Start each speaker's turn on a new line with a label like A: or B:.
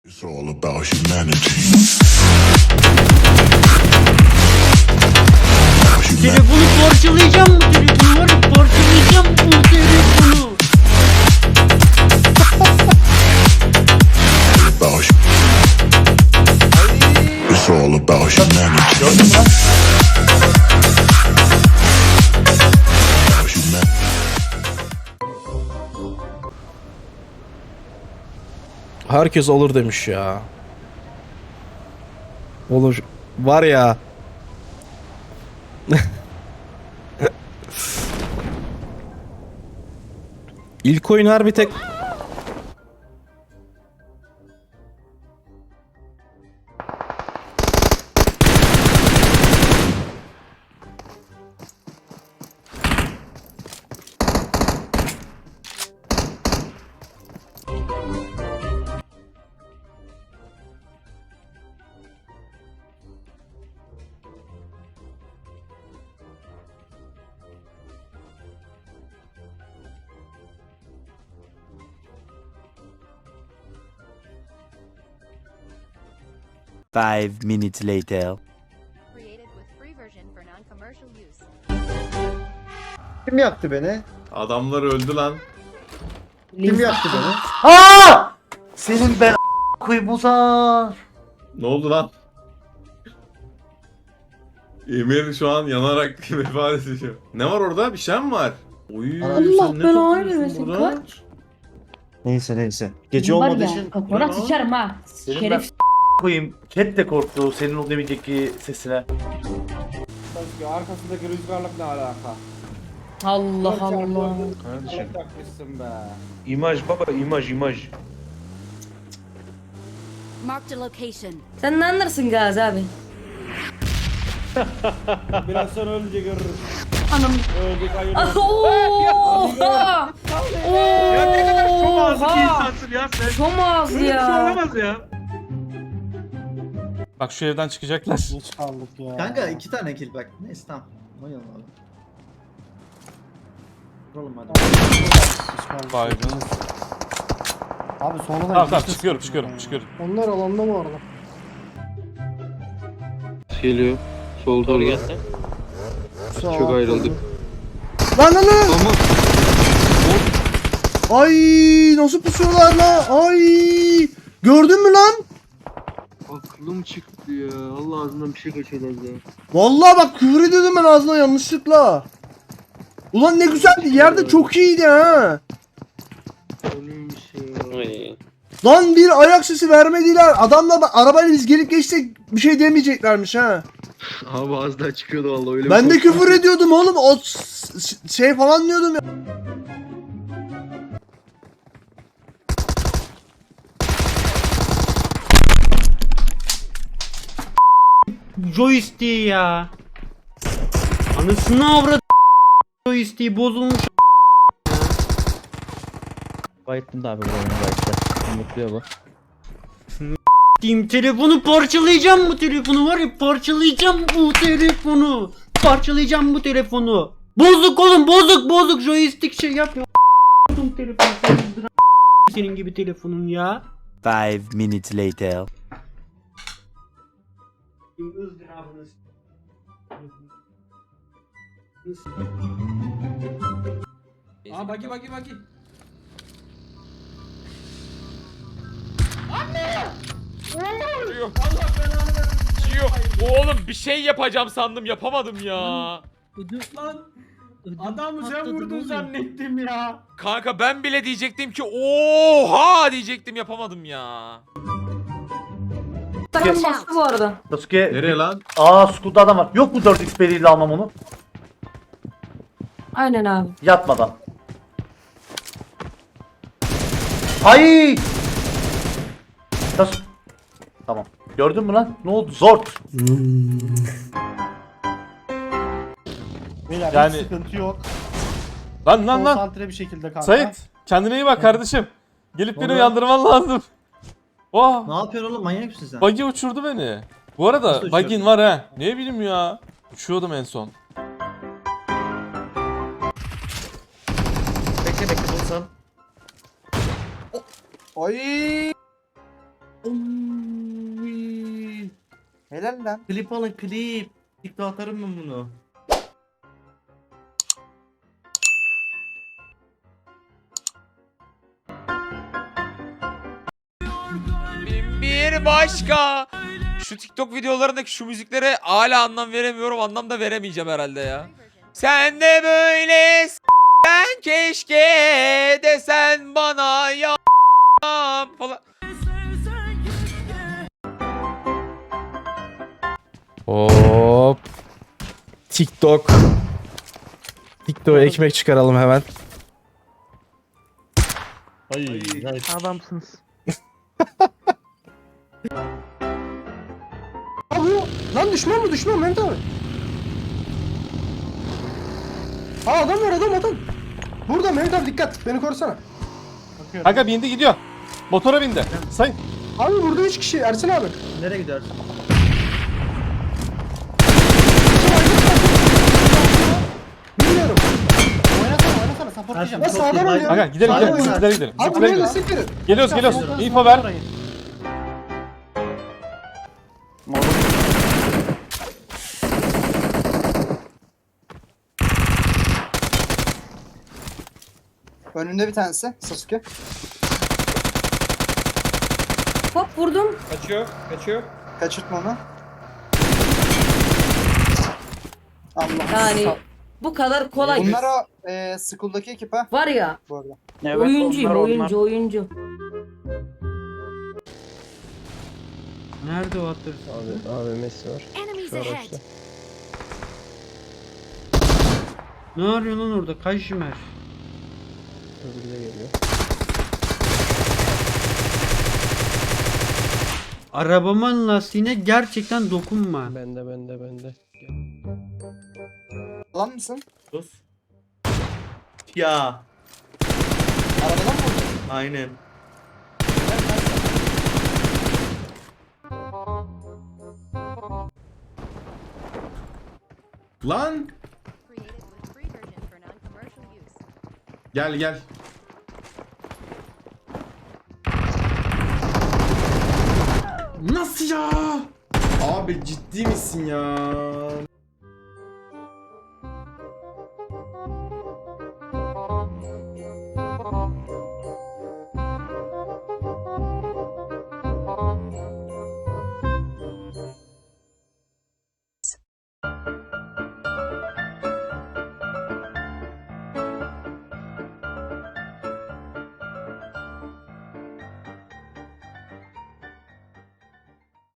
A: It's all about humanity.
B: Telefonu parçalayacağım bu telefonu var ya, parçalayacağım bu telefonu.
A: It's all about humanity.
C: Herkes alır demiş ya. Olur. Var ya. İlk oyun harbi tek...
D: Five minutes later.
E: Created with free version for non-commercial use.
F: Kim yaktı beni?
G: Adamlar öldü lan.
F: Kim yaktı beni?
H: Aa! Senin ben koyayım Uzar.
G: Ne oldu lan? Emir şu an yanarak vefat ediyor. Ne var orada? Bir şey mi var? Oy,
F: Allah
G: sen ne
I: belanı
G: topluyorsun
I: versin,
G: burada?
I: kaç?
F: Neyse. Gece
I: Var
F: olmadığı
I: ya,
F: için
I: kafana
G: Ne lan?
I: sıçarım ha.
H: Senin
I: Şeref.
H: koyayım. Cat de korktu senin o demeyeceki sesine.
J: Arkasındaki rüzgarlık ne alaka?
I: Allah Allah.
J: Kardeşim. Takmışsın be.
K: İmaj baba, imaj.
E: Marked a location.
I: Sen ne anlarsın Gazi abi?
J: Biraz sonra ölünce görürüz.
I: Anam.
J: Öldük hayır.
I: Oha!
K: Ya ne kadar şom ağzı bir
I: Oha!
K: insansın ya sen.
I: Şom ağzı
K: Böyle bir şey
I: ya.
K: olamaz ya.
C: Bak şu evden çıkacaklar.
J: Geç kaldık ya.
F: Kanka 2 tane kill bak. Neyse tamam. Oynayalım abi. Vuralım hadi.
C: Baygın.
J: Abi sonradan
C: Tamam çıkıyorum.
J: Onlar alanda mı orada?
K: Geliyor. Sol doğru gel. Çok ayrıldık.
F: Lan! Ay nasıl pusuyorlar lan? Ay! Gördün mü lan?
K: Aklım çıktı ya. Allah ağzından bir şey geçiyorlar ya.
F: Vallahi bak küfür ediyordum ben ağzına yanlışlıkla. Ulan ne güzeldi. Yerde çok iyiydi ha.
K: Neymiş ya.
F: Lan bir ayak sesi vermediler. Adamla arabayla biz gelip geçsek bir şey demeyeceklermiş ha.
K: Abi ağzından çıkıyordu vallahi öyle.
F: Ben de küfür ediyordum oğlum. O şey falan diyordum ya.
B: Joystick ya. Anasını avradı. Joystick bozulmuş.
H: Bayıttım da abi bu oyunu bayıttı. Mutluyor bu.
B: Diyeyim, telefonu parçalayacağım bu telefonu var ya, parçalayacağım bu telefonu. Parçalayacağım bu telefonu. Bozuk oğlum, bozuk joystick şey yapıyor. Telefonu senin gibi telefonun ya.
D: Five minutes later.
J: Aa bagi.
L: Oğlum bir şey yapacağım sandım, yapamadım ya.
J: Lan adamı sen vurdun zannettim ya.
L: Kanka ben bile diyecektim ki oha diyecektim, yapamadım ya.
I: Takım bastı bu arada.
H: Sasuke.
G: Nereye lan?
H: Aa Skull'da adam var. Yok mu 4x beriyle almam onu?
I: Aynen abi.
H: Yatmadan. Ay! Tamam. Gördün mü lan? Ne oldu? Zort.
J: Beyler
C: Yani-
J: hiç sıkıntı yok.
C: Lan
J: Konsantre bir şekilde kanka.
C: Sait kendine iyi bak kardeşim. Gelip beni
F: Oluyor.
C: uyandırman lazım. Oh,
F: Ne yapıyorsun oğlum? Manyak mısın sen?
C: buggy uçurdu beni. Bu arada
F: Nasıl
C: buggy'in
F: uçuyordu?
C: var ha. Ne bileyim ya. Uçuyordum en son.
K: Bekle bulsan.
J: Ay.
H: Oy.
F: Helal lan.
H: Klip alın klip. TikTok atarım ben bunu.
L: Bir başka. Şu TikTok videolarındaki şu müziklere hala anlam veremiyorum. Anlam da veremeyeceğim herhalde ya. Sen de böyle ben keşke desen bana ya falan.
K: Hop. TikTok. TikTok'a ekmek çıkaralım hemen.
J: Adamsınız. Abi lan düşman mı düşman Mehmet abi? Aa adam var adam. Burada Mehmet abi dikkat beni korusana.
C: Kanka bindi gidiyor. Motora bindi. Sayın.
J: Abi burada 3 kişi Ersin abi.
H: Nereye gidersin?
J: Bilmiyorum. Oynasana supportlayacağım.
H: Ersin,
J: Ya
H: çok iyi.
J: sağdan oynuyor.
C: Kanka gidelim
J: Sağdan
C: gidelim.
J: oynuyor.
C: Bizimkilere gidelim.
J: Abi
C: Bizimkilere
J: buraya
C: gidelim.
J: destek verin.
C: Geliyoruz. İnfo ver.
F: Önünde bir tanesi Sasuke.
I: Hop vurdum.
J: Kaçıyor.
F: Kaçırtma onu. Allah.
I: Yani bu kadar kolay.
F: Bunlar o Skull'daki ekip ha
I: Var ya.
F: bu arada.
I: Oyuncuyum oyuncu.
B: Nerede o atır?
E: Enemies ahead.
B: Ne arıyor lan orada? Kajmer. Arabamın lastiğine gerçekten dokunma.
K: Bende.
F: Lan mısın?
H: Sus. Ya.
F: Arabadan mı vurdun?
H: Aynen.
G: Lan
E: Created with free version for non-commercial use.
G: gel. Nasıl ya? Abi ciddi misin ya?